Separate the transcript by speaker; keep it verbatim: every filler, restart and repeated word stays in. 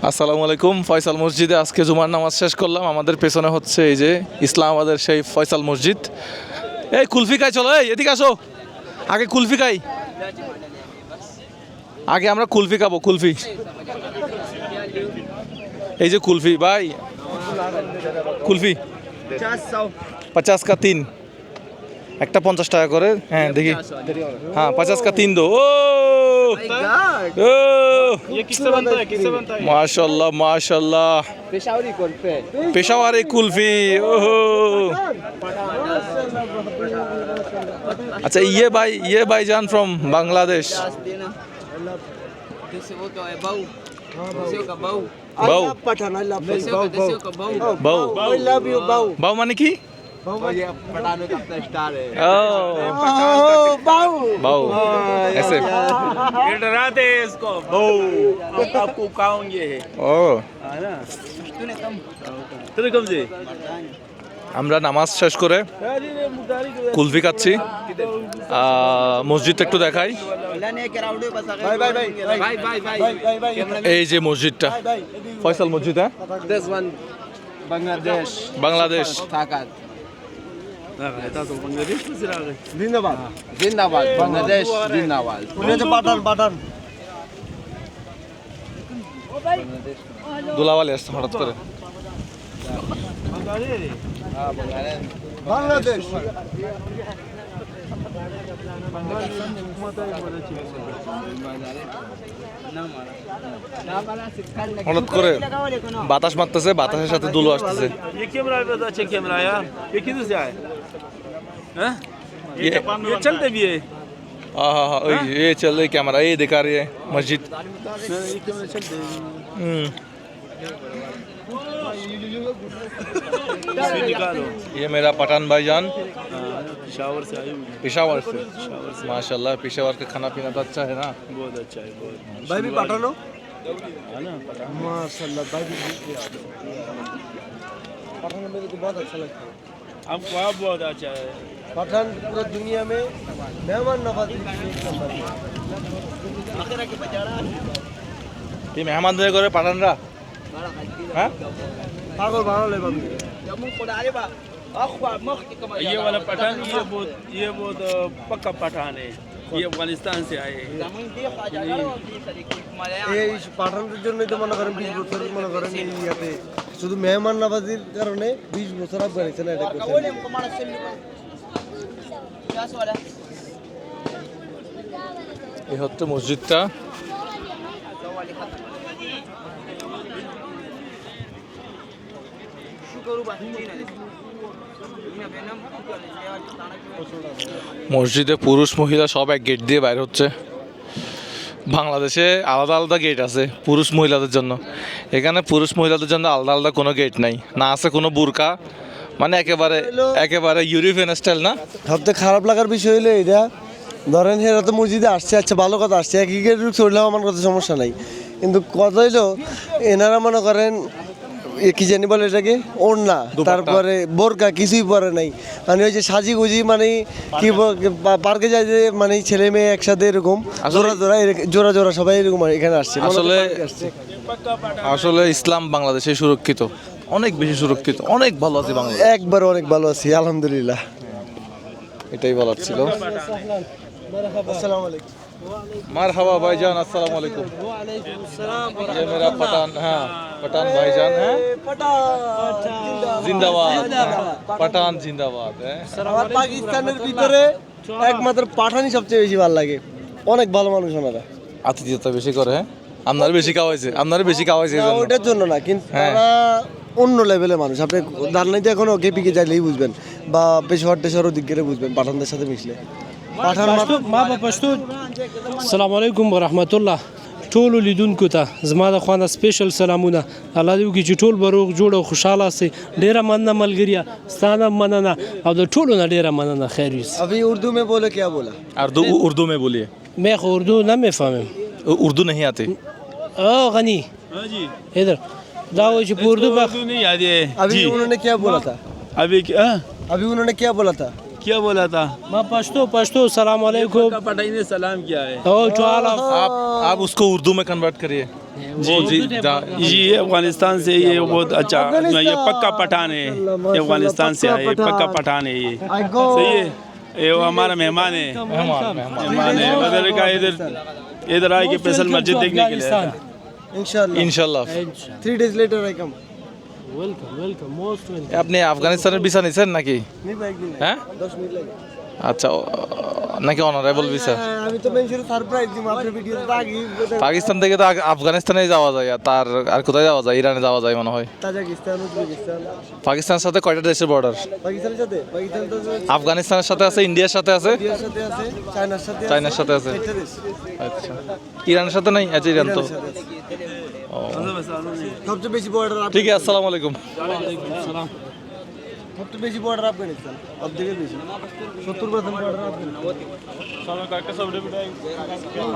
Speaker 1: আসসালামু আলাইকুম। ফয়সাল মসজিদে আজকে জুমার নামাজ শেষ করলাম। আমাদের পেছনে হচ্ছে এই যে ইসলামাবাদের সেই ফয়সাল মসজিদ। এই কুলফি খাই, চলো এই এদিকে আসো, আগে কুলফি খাই, আগে আমরা কুলফি খাবো। কুলফি, এই যে কুলফি ভাই, কুলফি পচাশ কা তিন, একটা পঞ্চাশ টাকা করে। হ্যাঁ দেখি, হ্যাঁ পচাশ কা তিন দো। ও ও माशाल्लाह माशाल्लाह,
Speaker 2: पेशावरी कुल्फे
Speaker 1: पेशावरी कुल्फी। ओहो, अच्छा ये भाई, ये भाईजान फ्रॉम बांग्लादेश। बाऊ
Speaker 2: पठान आई लव
Speaker 1: बाऊ
Speaker 2: आई लव यू बाऊ
Speaker 1: बाऊ माने की?
Speaker 2: ये पठान का अपना स्टार है
Speaker 1: ओ
Speaker 2: बाऊ
Speaker 1: बाऊ ऐसे।
Speaker 3: ये डराते हैं इसको बहु, हम आपको खाओगे
Speaker 1: ও
Speaker 3: है ना। तूने कब से
Speaker 1: আমরা নামাজ শেষ করে কুলফি খাচ্ছি। আহ, মসজিদটা একটু দেখাই।
Speaker 2: भाई भाई भाई भाई भाई भाई भाई
Speaker 1: এই যে মসজিদটা ফয়সাল মসজিদ। হ্যাঁ
Speaker 2: this one बांग्लादेश
Speaker 1: বাংলাদেশ।
Speaker 2: ताकत
Speaker 3: बांग्लादेश में सिरा गए।
Speaker 2: जिंदाबाद जिंदाबाद बांग्लादेश जिंदाबाद पुण्याचे पाटण पाटण
Speaker 1: দুলাওয়ালি আসছে হঠাৎ করে।
Speaker 2: बांग्लादेश
Speaker 1: হঠাৎ করে বাতাস মারতেছে, বাতাসের সাথে দুলো আসতেছে।
Speaker 3: ये कैमरा भी अच्छा कैमरा यार, ये किधर से आए हैं?
Speaker 1: ये
Speaker 3: ये चलते भी है।
Speaker 1: हाँ हाँ हाँ, ओए, ये चल रही कैमरा, ये दिखा रही है मस्जिद।
Speaker 3: नहीं, ये कैमरा चलते हैं।
Speaker 1: हम्म,
Speaker 3: ये निकालो।
Speaker 1: ये मेरा पठान भाईजान
Speaker 3: हाँ, शावर से आए हुए हैं।
Speaker 1: पेशावर से। माशाल्लाह, पेशावर का खाना पीना तो अच्छा है ना।
Speaker 3: बहुत अच्छा है, बहुत
Speaker 2: भाई भी पाटण हो
Speaker 3: है ना।
Speaker 2: माशाल्लाह भाई भी पठान में मेरे को बहुत अच्छा लगता है।
Speaker 3: हमको आप बहुत अच्छा है।
Speaker 2: पठान पूरा दुनिया में मेहमान नवाजी एक नंबर है।
Speaker 1: ये मेहमानदारी করে পাঠানরা। হ্যাঁ
Speaker 2: पागल भाड़ा ले बंद
Speaker 3: ये वाला पठान, ये बहुत ये बहुत अ, पक्का पठान है। ये अफगानिस्तान से आए हैं।
Speaker 2: এই পাঠানদের জন্যই তো মনে করেন বিশ বছর মনে করেন এই ইয়াতে শুধু মেহমান নওয়াজির কারণে বিশ বছর আফগানিস্তানে এটা করছে।
Speaker 1: এই হচ্ছে মসজিদটা। মসজিদে পুরুষ মহিলা সব এক গেট দিয়ে বাইরে হচ্ছে। বাংলাদেশে আলাদা আলাদা গেট আছে পুরুষ মহিলাদের জন্য, এখানে পুরুষ মহিলাদের জন্য আলাদা আলাদা কোনো গেট নাই, না আছে কোনো বুরকা, মানে একেবারে একেবারে ইউরোপিয়ান স্টাইল না।
Speaker 2: সবথেকে খারাপ লাগার বিষয় হলো এটা, ধরেন এরা তো মসজিদে আসছে, আচ্ছা ভালো কথা আসছে, এক গেট চললেও আমার কথা সমস্যা নাই, কিন্তু কথা হইলো এনারা মনে করেন এ কি জানি বলে এটাকে ওড়না, তারপরে বোরকা কিছুই পরে নাই, মানে ওই যে সাজি গুজি, মানে কি ব- পা- পার্কে যায় যে মানে ছেলে মেয়ে একসাথে এরকম জোড়া জোড়া এরক- জোড়া জোড়া সবাই এরকম এখানে আসছে। মনে করেন
Speaker 1: আসলে
Speaker 2: পার্কে আসছে।
Speaker 1: আসলে ইসলাম বাংলাদেশে সুরক্ষিত, অনেক বেশি সুরক্ষিত, অনেক ভালো আছে বাংলাদেশ।
Speaker 2: একবার অনেক ভালো আছি আলহামদুলিল্লাহ।
Speaker 1: এটাই বলার ছিল।
Speaker 2: আসসালামু আলাইকুম।
Speaker 1: মারহাবা ভাইজান, আসসালামু আলাইকুম। ये मेरा पठान, हाँ पठान भाईजान है। जिंदाबाद पठान, जिंदाबाद है।
Speaker 2: আমার পাকিস্তানের ভিতরে একমাত্র পাঠানই সবচেয়ে বেশি ভালো লাগে, অনেক ভালো মানুষ ওনারা।
Speaker 1: আতিথ্যতা বেশি করে। হ্যাঁ আপনার বেশি খাওয়াইছে, আপনার বেশি খাওয়াইছে এই
Speaker 2: না,
Speaker 1: জন্য।
Speaker 2: ওইটার জন্য না, কিন্তু
Speaker 1: হ্যাঁ।
Speaker 2: তারা অন্য লেভেলের মানুষ। আপনি দার্নাইতে এখনো কেপিকে চাইলেই বুঝবেন, বা পেশোয়ার টেশোয়ারও দিক করে বুঝবেন পাঠানদের সাথে মিশলে। পাঠান
Speaker 4: پښتو ما په پښتو السلام علیکم ورحمت الله ټولو لیدونکو ته زما د خوانه سپیشل سلامونه. الله دې وکړي چې ټول به روغ جوړ او خوشحاله سي. ډیره مننه ملګریا، ستانه مننه او د ټولو نه ډیره مننه. خیر یوسف
Speaker 2: अभी उर्दू में बोले क्या बोला?
Speaker 1: उर्दू उर्दू में बोलिए।
Speaker 4: मैं خو اردو نه میفهمم.
Speaker 1: उर्दू नहीं आती।
Speaker 4: او غنی
Speaker 3: हाँ जी,
Speaker 4: ادھر دا و چې په اردو به
Speaker 3: उर्दू नहीं याद है
Speaker 2: अभी
Speaker 3: जी।
Speaker 2: उन्होंने क्या बोला था?
Speaker 3: अभी क्या
Speaker 2: अभी उन्होंने क्या बोला था?
Speaker 3: क्या बोला था?
Speaker 4: ما پښتو پښتو سلام علیکم
Speaker 3: पक्का पठान ने सलाम किया है।
Speaker 4: او ټول
Speaker 1: आप आप उसको उर्दू में कन्वर्ट करिए।
Speaker 3: जी
Speaker 1: जी दा-
Speaker 3: जी ये अफगानिस्तान से ये बहुत अच्छा ये पक्का पठान है ये अफगानिस्तान से आए पक्का पठान है ये सही है ये वो हमारा मेहमान है मेहमान है मतलब का इधर इधर आए कि फैसल मस्जिद देखने के लिए आया था।
Speaker 2: ইনশাআল্লাহ
Speaker 1: ইনশাল্লাহ
Speaker 2: three days later I come
Speaker 4: welcome welcome most welcome.
Speaker 1: আপনি আফগানিস্তানের ভিসা নিছেন নাকি
Speaker 2: নি ভাই একদিন
Speaker 1: হ্যাঁ
Speaker 2: দশ মিনিট লাগে
Speaker 1: আচ্ছা ও- নাকি অনারেবল ভিসা
Speaker 2: হ্যাঁ, আমি তো মেনশন সারপ্রাইজ দিম আপনার ভিডিওতে আগে
Speaker 1: পাকিস্তান থেকে তো আগ- আফগানিস্তানে যাওয়া যায় আর তার আর কোথায় যাওয়া যায় ইরানে যাওয়া যায় মনে হয়
Speaker 2: তাজিকিস্তান উজবেকিস্তান
Speaker 1: পাকিস্তানের সাথে কয়টা দেশের বর্ডার
Speaker 2: পাকিস্তানের সাথে পাকিস্তান তো
Speaker 1: আফগানিস্তানের সাথে আছে ইন্ডিয়ার সাথে আছে
Speaker 2: ইন্ডিয়ার সাথে আছে চায়নার সাথে আছে
Speaker 1: চায়নার সাথে আছে
Speaker 2: চারটা দেশ।
Speaker 1: আচ্ছা ইরানের সাথে নাই আচ্ছা ইরান তো
Speaker 2: ইরানের সাথে আছে। সবচেয়ে বেশি বর্ডার
Speaker 1: ঠিক আছে আসসালামু আলাইকুম
Speaker 2: সবচেয়ে বেশি বর্ডার আফগানিস্তান সব থেকে বেশি সত্তর পার্সেন্ট বর্ডার আফগানিস্তান